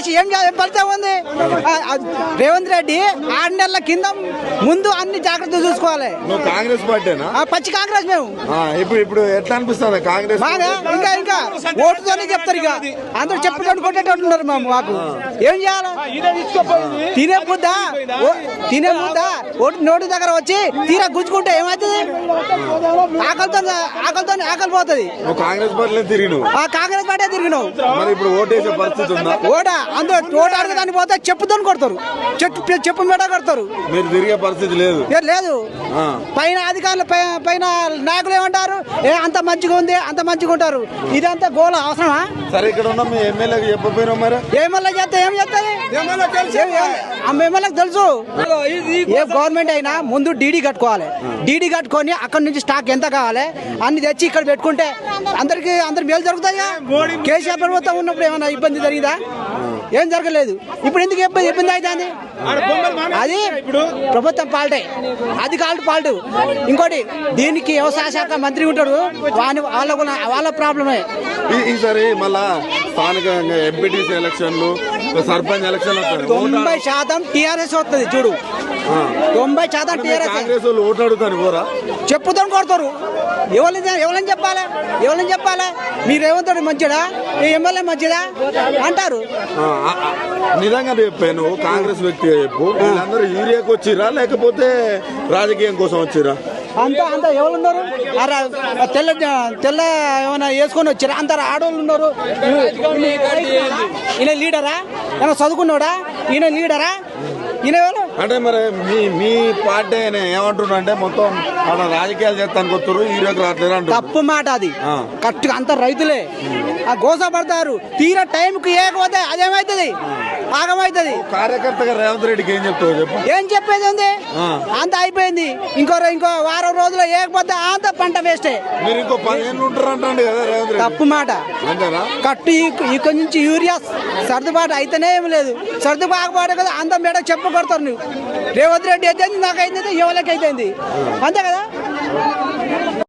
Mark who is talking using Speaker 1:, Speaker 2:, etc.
Speaker 1: చేసి ఏం ఫలితం ఉంది? రేవంత్ రెడ్డి 6 నెలల కింద ముందు అన్ని జాగ్రత్తలు చూసుకోవాలి.
Speaker 2: కాంగ్రెస్ పార్టీనా?
Speaker 1: పచ్చి కాంగ్రెస్ మేము.
Speaker 2: ఇప్పుడు ఎట్లా అనిపిస్తుంది కాంగ్రెస్?
Speaker 1: ఇంకా ఓటుతోనే చెప్తారు. ఇక అందరూ చెప్పుకొని కొట్టేటట్టున్నారు మాకు. ఏం చేయాలి? తినే ముద్ద నోటి దగ్గర వచ్చి తీరా గుంజుకుంటే ఏమవుతుంది? ఆకలి పోతుంది.
Speaker 2: కాంగ్రెస్ పార్టీ
Speaker 1: కాంగ్రెస్ పార్టీ తిరిగినావు.
Speaker 2: ఇప్పుడు ఓటేసే పరిస్థితి ఉందా?
Speaker 1: ఓటు అడగదాన్ని పోతే చెప్పుతో కొడతారు. చెప్పు మీద కొడతారు.
Speaker 2: మీరు తిరిగే పరిస్థితి
Speaker 1: లేదు. పైన అధికారులు పైన నాయకులు ఏమంటారు? అంత మంచిగా ఉంది, అంత మంచిగా ఉంటారు. ఇదంతా గోల అవసరమా?
Speaker 2: సరే, ఇక్కడ ఉన్న మీ ఎమ్మెల్యేకి చెప్పపోయినా మరి?
Speaker 1: ఎమ్మెల్యే చేస్తే ఏం చేస్తుంది? ఎమ్మెల్యేకి తెలుసు. ఏ గవర్నమెంట్ అయినా ముందు డీడీ కట్టుకోవాలి. డీడీ కట్టుకొని అక్కడ నుంచి స్టాక్ ఎంత కావాలి అన్ని తెచ్చి ఇక్కడ పెట్టుకుంటే అందరికి మేలు జరుగుతుందిగా. కేసీఆర్ ప్రభుత్వం ఉన్నప్పుడు ఏమైనా ఇబ్బంది జరిగిందా? ఏం జరగలేదు. ఇప్పుడు ఎందుకు ఇబ్బంది అవుతుంది? అది ప్రభుత్వం పాల్టే, అధికారులు పాల్టు. ఇంకోటి దీనికి వ్యవసాయ శాఖ మంత్రి ఉంటాడు, వాళ్ళ ప్రాబ్లమే.
Speaker 2: ఈసారి మళ్ళా స్థానికంగా ఎంపీటీసీ ఎలక్షన్లు, సర్పంచ్ ఎలక్షన్
Speaker 1: 90% టీఆర్ఎస్ వస్తుంది. చూడు, 90% టీఆర్ఎస్.
Speaker 2: కాంగ్రెస్ వాళ్ళు ఓట్లు అడుగుతారు పోరా?
Speaker 1: చెప్పుతో కొడతారు. ఎవరని చెప్పాలి? మీరు రేవంత్ రెడ్డి మంచిదా, ఈ ఎమ్మెల్యే మంచిదా అంటారు.
Speaker 2: నిజంగా చెప్పాను, కాంగ్రెస్ వ్యక్తి చెప్పు. వీళ్ళందరూ యూరియాకి వచ్చిరా లేకపోతే రాజకీయం కోసం వచ్చిరా?
Speaker 1: అంతా ఎవరున్నారు? తెల్ల ఏమైనా వేసుకొని వచ్చారా? అంత ఆడవాళ్ళు ఉన్నారు. ఈయన లీడరా? ఏమైనా చదువుకున్నాడా? ఈయన లీడరా? ఈయన
Speaker 2: అంటే మరి మీ పార్టీ ఏమంటున్నా అంటే మొత్తం రాజకీయాలు చేస్తానికి వస్తారు, యూరియాకి రావట్లేదు అంటే
Speaker 1: తప్పు మాట. అది కరెక్ట్గా అంత రైతులే గోసపడతారు. తీరా టైంకి ఏకపోతే అదేమవుతుంది? ఆగమవుతుంది.
Speaker 2: కార్యకర్తగా రేవంత్ రెడ్డికి ఏం చెప్తావు చెప్పు?
Speaker 1: ఏం చెప్పేది ఉంది? అంత అయిపోయింది. ఇంకో వారం రోజులు ఏకపోతే అంత పంట వేస్టే.
Speaker 2: మీరు ఇంకో 10 ఏళ్ళు ఉంటారు అంటే కదా రేవంత్ రెడ్డి?
Speaker 1: తప్పు మాట. కట్టు ఇక్కడ నుంచి యూరియా సర్దుబాటు అయితేనే ఏమి లేదు. సర్దుబాటు కదా అంత మేడ చెప్పు కొడతారు. నువ్వు రేవంత్ రెడ్డి అయితే నాకైతే ఎవరికి అయితే అంతే కదా.